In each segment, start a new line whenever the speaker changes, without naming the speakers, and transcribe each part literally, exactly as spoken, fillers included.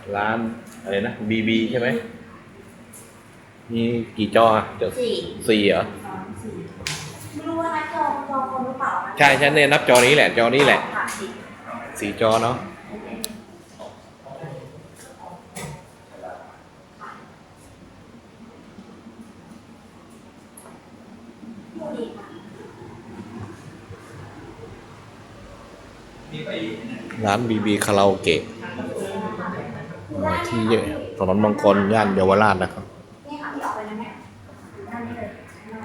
ร้านอะไรนะบีบีใช่ไหมมีกี่จออ่ะจะ
สี่
สี่เหรอ
สองสี่ไม่รู้ว่านัดจองจองคนหรือเปล่า
ใช่ใช่เนี่ยนับจอนี้แหละจอนี้แหละ
ค่ะสี่
สี่จอเนาะ
ผู้ดีค่ะ
ร้านบีบีคาราโอเกะที่ถนนบางกรย่านเยาวราชนะครับ
นี่ค่ะที่ออกไปแล้วเนี่ยด้านนี้เลย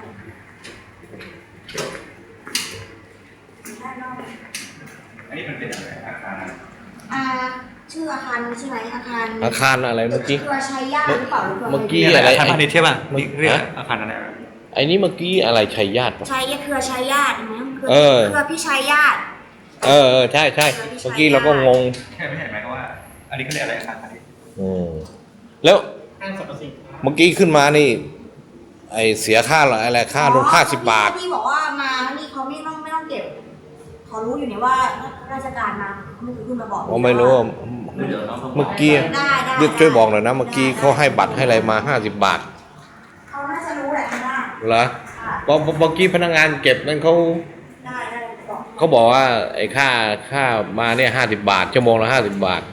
ด้านนอก
อันนี้มันเป็นอะไรอาคาร
อ่าชื่ออาคารใช่ไหมอาคาร
อาคารอะไรเมื่อกี้
เครือชัยญาติหรือเปล่าหรือเปล่า
เมื่อกี้
นี่อะไร
อะไร
อาคารพาณิชย์ใช่ป่ะ
เมื่อ
เรียก
ฮะ
อาคารอะไร
ไอ้นี่เมื่อกี้อะไรชัยญาติปะ
ชัยเครือชัยญาติไหมเครือ
เออ
เครือพี่ชัยญาติ
เออเออใช่ใช่เมื่อกี้เราก็งง
แค่ไม่เห็นไหมว่า อันนี้เขาเรียกอะไรอาคารพาณิชย์
อืมแล้ว
ห้างสรรพสินค้า
เมื่อกี้ขึ้นมานี่ ไอเสียค่าอะไรค่าลงค่าสิบบาท
ที่บอกว่ามานี่เขาไม่ต้องไม่ต้องเก็บเขารู้อยู่เนี่ยว่าราชการมาไม่เคยขึ้นมาบอก
ผมไม่รู้ว่าเมื่อกี้
ได้ได้
ยึดช่วยบอกหน่อยนะเมื่อกี้เขาให้บัตรให้อะไรมาห้าสิบบาท
เขาน่าจะรู้แหละทำได้
เหรอ
ค่ะ
เพราะเมื่อกี้พนักงานเก็บนั่นเขา
ได้ได้บอก
เขาบอกว่าไอ้ค่าค่ามาเนี่ยห้าสิบบาทชั่วโมงละห้าสิบบาท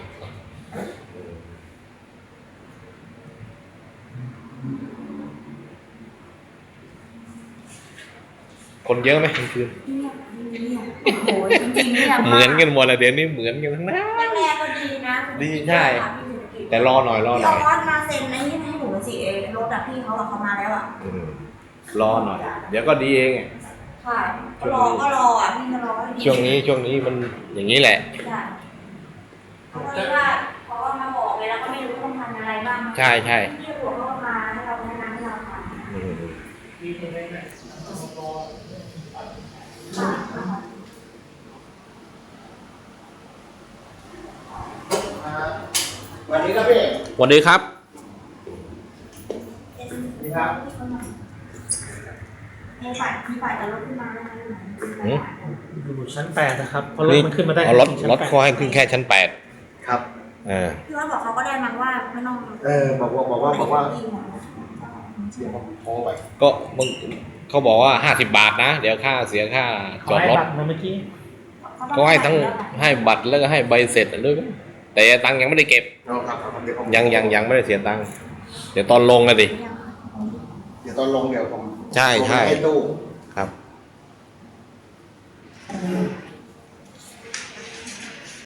คนเยอะไหมกลางคืน
เงียบเงียบโอ้โหจริงๆเนี่ย
เหมือนกันหมดเลยเดี๋ยวนี้เหมือนกันทั้งนั้น
แรกๆก็ดีนะ
ดีใช่ แต่รอหน่อยรอห
พี่
น่
อ
อย
อสมาเซ็นไอ้นี่ให้หนูสิเอรถอะพี่เขาอะเขามาแล้วอะ
อืมรอหน่อย เดี๋ยวก็ดีเอง
ค่ะก็รอก็รออะพี่ก็รอให้ดี
ช่วงนี้ช่วงนี้มันอย่างนี้แหละ
ใช่เพราะว่าเพราะว่ามาบอกเลยแล้วก็ไม่รู้ต้องทำอะไรบ้าง
ใช่ใช่
ที่หัวเขามาให้เราแนะนำให้เราทำ
อืม
สวัสดีครับพี่
สวัสดีครับ
สวัสดีครับ
มีฝ่ายมีฝ่ายแต่รถขึ้นมาแล้วนะ
หืม
อยู่ชั้นแปดนะครับเพราะรถ
นี่
มันขึ้นมาได้
เอารถ
แค่ชั้น
รถ
แปด
เขาให้ขึ้นแค่ชั้นแปด
ครับ
เออ
พี่ว่าบอกเขาก็ได้มั้งว่าไม่ต้อง
เออบอกว่าบอกว่าบอกว่า
พี่หัว
เดี๋ยวผมโทรไป
ก็มึงเขาบอกว่าห้าสิบบาทนะ เดี๋ยวค่าเสียค่า
ข
จ
อ
อด
ให้
รถ
บัตรมาเมื่อกี้
เขาให้ทั้งให้บัตรแล้วก็ให้ใบเสร็จด้วยมั้ยแต่ตังค์ยังไม่ได้เก็บ
เอาครับครับเดี๋ยวผม
ยังยังยังไม่ได้เสียตังค์เดี๋ยวตอนลงกันดิ
เดี๋ยวตอนลงเดี๋ยวผม
ใช่ใช่
ให้ตู้
อ